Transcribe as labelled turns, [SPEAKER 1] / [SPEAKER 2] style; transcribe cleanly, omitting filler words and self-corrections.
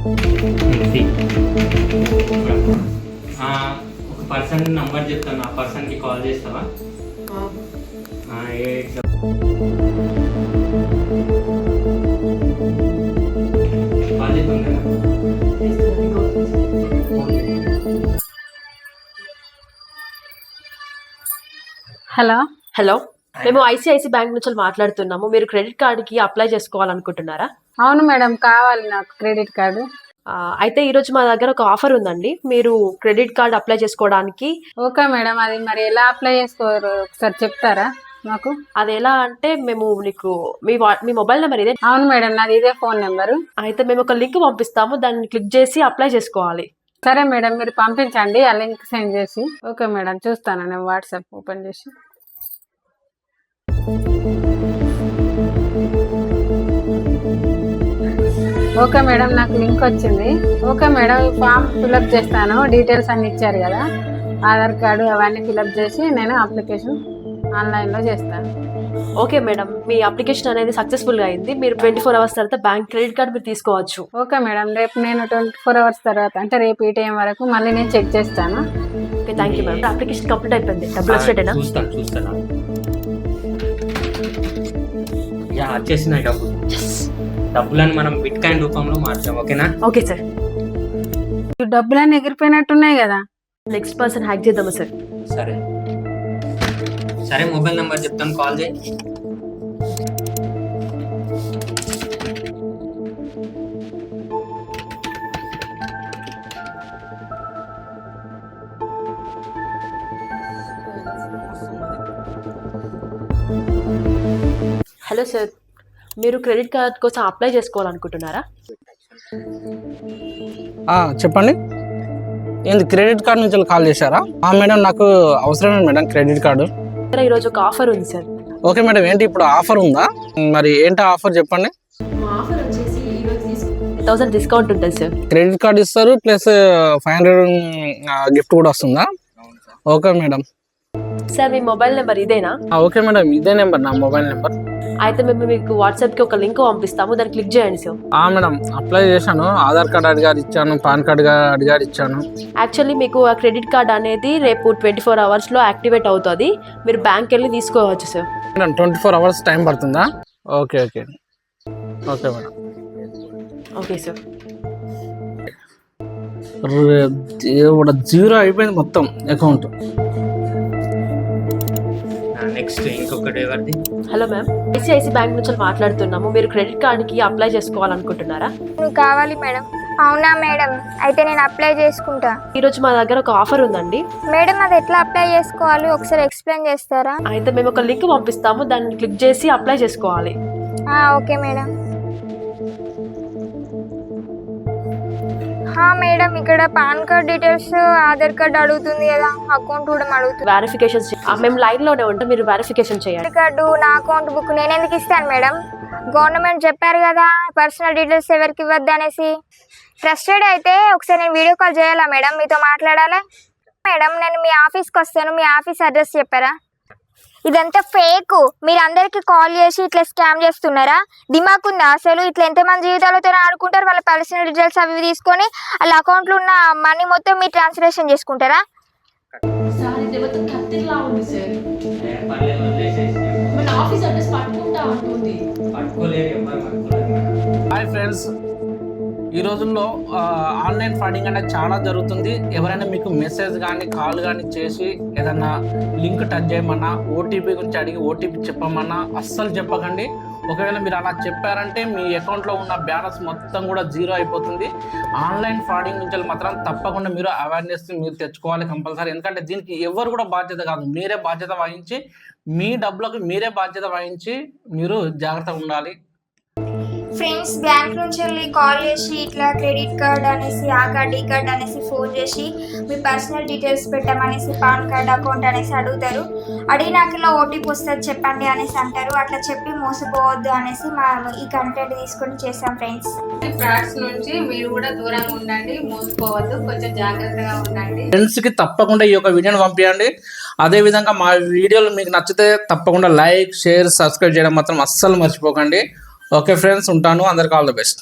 [SPEAKER 1] ఒక person number చెప్తాను, ఆ పర్సన్కి కాల్ చేస్తావా?
[SPEAKER 2] హలో
[SPEAKER 3] హలో, మేము ఐసిఐసి బ్యాంక్ నుంచి మాట్లాడుతున్నాము. మీరు క్రెడిట్ కార్డుకి అప్లై చేసుకోవాలనుకుంటున్నారా?
[SPEAKER 2] అవును మేడం, కావాలి నాకు క్రెడిట్ కార్డు.
[SPEAKER 3] అయితే ఈరోజు మా దగ్గర ఒక ఆఫర్ ఉందండి. మీరు క్రెడిట్ కార్డ్ అప్లై చేసుకోవడానికి.
[SPEAKER 2] ఓకే మేడం, అది మరి ఎలా అప్లై చేసుకోరు ఒకసారి చెప్తారా మాకు?
[SPEAKER 3] అది ఎలా అంటే, మేము నీకు మీ మొబైల్ నెంబర్ ఇదే?
[SPEAKER 2] అవును మేడం, నాది ఇదే ఫోన్ నెంబరు.
[SPEAKER 3] అయితే మేము ఒక లింక్ పంపిస్తాము, దాన్ని క్లిక్ చేసి అప్లై చేసుకోవాలి.
[SPEAKER 2] సరే మేడం, మీరు పంపించండి ఆ లింక్ సెండ్ చేసి. ఓకే మేడం, చూస్తాను నేను వాట్సాప్ ఓపెన్ చేసి. ఓకే మేడం, నాకు లింక్ వచ్చింది. ఓకే మేడం, ఈ ఫామ్ ఫిలప్ చేస్తాను. డీటెయిల్స్ అన్ని ఇచ్చారు కదా, ఆధార్ కార్డు అవన్నీ ఫిలప్ చేసి నేను అప్లికేషన్ ఆన్లైన్లో చేస్తాను.
[SPEAKER 3] ఓకే మేడం, మీ అప్లికేషన్ అనేది సక్సెస్ఫుల్గా అయింది. మీరు 24 అవర్స్ తర్వాత బ్యాంక్ క్రెడిట్ కార్డ్ మీరు తీసుకోవచ్చు.
[SPEAKER 2] ఓకే మేడం, రేపు నేను 24 అవర్స్ తర్వాత అంటే రేపు ఈ టైం వరకు మళ్ళీ నేను చెక్ చేస్తాను.
[SPEAKER 3] Okay, thank you madam. Application complete అయిపోయింది. డబ్బులు వచ్చేటేనా?
[SPEAKER 1] చూస్తాను. వచ్చేసినాయి డబ్బులను మనం బిట్ కాయిన్ రూపంలో మార్చాం. ఓకేనా?
[SPEAKER 3] Okay sir.
[SPEAKER 2] ఈ డబ్బులన్నీ ఎగిరిపోయినట్టున్నాయి కదా.
[SPEAKER 3] నెక్స్ట్ పర్సన్ హ్యాక్ చేద్దామా సార్?
[SPEAKER 1] సరే, మొబైల్ నెంబర్ చెప్తాను, కాల్ చేయి.
[SPEAKER 3] హలో సార్, మీరు క్రెడిట్ కార్డ్ కోసం అప్లై చేసుకోవాలనుకుంటున్నారా?
[SPEAKER 4] చెప్పండి. ఏంది క్రెడిట్ కార్డ్ నుంచి కాల్ చేశారా? మేడం, నాకు అవసరమే మేడం క్రెడిట్ కార్డు.
[SPEAKER 3] ఈరోజు ఒక ఆఫర్ ఉంది సార్.
[SPEAKER 4] ఓకే మేడం, ఏంటి ఇప్పుడు ఆఫర్ ఉందా? మరి ఏంటి ఆఫర్ చెప్పండి.
[SPEAKER 3] మా ఆఫర్ వచ్చేసి 1000 డిస్కౌంట్ ఉంటుంది సార్.
[SPEAKER 4] క్రెడిట్ కార్డు ఇస్తారు ప్లస్ 500 గిఫ్ట్ కూడా వస్తుందా? Okay madam.
[SPEAKER 3] సార్, మీ మొబైల్ నెంబర్ ఇదేనా?
[SPEAKER 4] ఓకే మేడం, ఇదే నెంబర్ నా మొబైల్ నెంబర్.
[SPEAKER 3] అయితే మేము మీకు వాట్సాప్కి ఒక లింక్ పంపిస్తాము, దాన్ని క్లిక్ చేయండి సార్.
[SPEAKER 4] మేడం, అప్లై చేశాను. ఆధార్ కార్డు అడిగారు ఇచ్చాను, పాన్ కార్డు అడిగారు ఇచ్చాను.
[SPEAKER 3] యాక్చువల్లీ మీకు ఆ క్రెడిట్ కార్డ్ అనేది రేపు 24 అవర్స్లో యాక్టివేట్ అవుతుంది. మీరు బ్యాంక్ వెళ్ళి తీసుకోవచ్చు సార్.
[SPEAKER 4] మేడం, 24 అవర్స్ టైం పడుతుందా? Okay okay okay madam.
[SPEAKER 3] Okay sir.
[SPEAKER 4] దేవుడు, జీరో అయిపోయింది మొత్తం అకౌంట్.
[SPEAKER 1] నెక్స్ట్ ఇంకొకటి ఎవరిది?
[SPEAKER 3] హలో మ్యామ్, ఐసిఐసి బ్యాంక్ నుంచి మాట్లాడుతున్నాము. మీరు క్రెడిట్ కార్డుకి అప్లై చేసుకోవాలనుకుంటున్నారా?
[SPEAKER 5] కావాలి మేడం. అవునా మేడం, అయితే నేను అప్లై చేసుకుంటా.
[SPEAKER 3] ఈరోజు మా దగ్గర ఒక ఆఫర్ ఉందండి.
[SPEAKER 5] మేడం, అది ఎట్లా అప్లై చేసుకోవాలి ఒకసారి ఎక్స్ప్లెయిన్ చేస్తారా?
[SPEAKER 3] అయితే మేము ఒక లింక్ పంపిస్తాము, దాన్ని క్లిక్ చేసి అప్లై చేసుకోవాలి.
[SPEAKER 5] Okay madam. మేడం, ఇక్కడ PAN card details, Aadhaar card అడుగుతుంది కదా, అకౌంట్ కూడా అడుగుతుంది.
[SPEAKER 3] వెరిఫికేషన్ మేము లైన్ లోనే ఉంటాం, మీరు వెరిఫికేషన్ చేయాలి.
[SPEAKER 5] కార్డు, నా అకౌంట్ బుక్ నేను ఎందుకు ఇస్తాను మేడం? గవర్నమెంట్ చెప్పారు కదా పర్సనల్ డీటెయిల్స్ ఎవరికి ఇవ్వద్దు అనేసి. ట్రస్టెడ్ అయితే ఒకసారి నేను వీడియో కాల్ చేయాలా మేడం, మీతో మాట్లాడాలా? మేడం, నేను మీ ఆఫీస్కి వస్తాను, మీ ఆఫీస్ అడ్రస్ చెప్పారా? ఇదంతా ఫేక్. మీరు అందరికి కాల్ చేసి ఇట్లా స్కామ్ చేస్తున్నారా? దిమాక్ ఉందా అసలు? ఇట్లా ఎంతమంది జీవితాలతో ఆడుకుంటారు? వాళ్ళ పర్సనల్ డీటెయిల్స్ అవి తీసుకొని వాళ్ళ అకౌంట్లో ఉన్న మనీ మొత్తం మీరు ట్రాన్స్లేషన్ చేసుకుంటారా?
[SPEAKER 4] హాయ్ ఫ్రెండ్స్, ఈ రోజుల్లో ఆన్లైన్ ఫ్రాడింగ్ అనేది చాలా జరుగుతుంది. ఎవరైనా మీకు మెసేజ్ కానీ కాల్ కానీ చేసి ఏదన్నా లింక్ టచ్ చేయమన్నా, ఓటీపీ గురించి అడిగి ఓటీపీ చెప్పమన్నా అస్సలు చెప్పకండి. ఒకవేళ మీరు అలా చెప్పారంటే మీ అకౌంట్లో ఉన్న బ్యాలెన్స్ మొత్తం కూడా జీరో అయిపోతుంది. ఆన్లైన్ ఫ్రాడింగ్ నుంచి మాత్రం తప్పకుండా మీరు అవేర్నెస్ మీరు తెచ్చుకోవాలి కంపల్సరీ. ఎందుకంటే దీనికి ఎవరు కూడా బాధ్యత కాదు, మీరే బాధ్యత వహించి మీ డబ్బులకు మీరే బాధ్యత వహించి మీరు జాగ్రత్తగా ఉండాలి.
[SPEAKER 5] ఫ్రెండ్స్, బ్యాంక్ నుంచి వెళ్ళి కాల్ చేసి ఇట్లా క్రెడిట్ కార్డ్ అనేసి, ఆ కార్డ్ ఈ కార్డ్ అనేసి ఫోన్ చేసి మీ పర్సనల్ డీటెయిల్స్ పెట్టమనేసి, పాన్ కార్డ్ అకౌంట్ అనేసి అడుగుతారు. అడిగినాక ఇలా ఓటీపీ వస్తుంది చెప్పండి అనేసి అంటారు. అట్లా చెప్పి మోసపోవద్దు అనేసి ఈ కంటెంట్ తీసుకొని చేస్తాం ఫ్రెండ్స్.
[SPEAKER 2] ఫ్రాడ్స్ నుంచి మీరు కూడా దూరంగా ఉండండి, మోసపోవద్దు, కొంచెం జాగ్రత్తగా ఉండండి.
[SPEAKER 4] ఫ్రెండ్స్కి తప్పకుండా ఈ యొక్క వీడియోని పంపించండి. అదేవిధంగా మా వీడియోలు మీకు నచ్చితే తప్పకుండా లైక్, షేర్, సబ్స్క్రైబ్ చేయడం మాత్రం అస్సలు మర్చిపోకండి. ఓకే ఫ్రెండ్స్, ఉంటాను. అందరికీ ఆల్ ది బెస్ట్.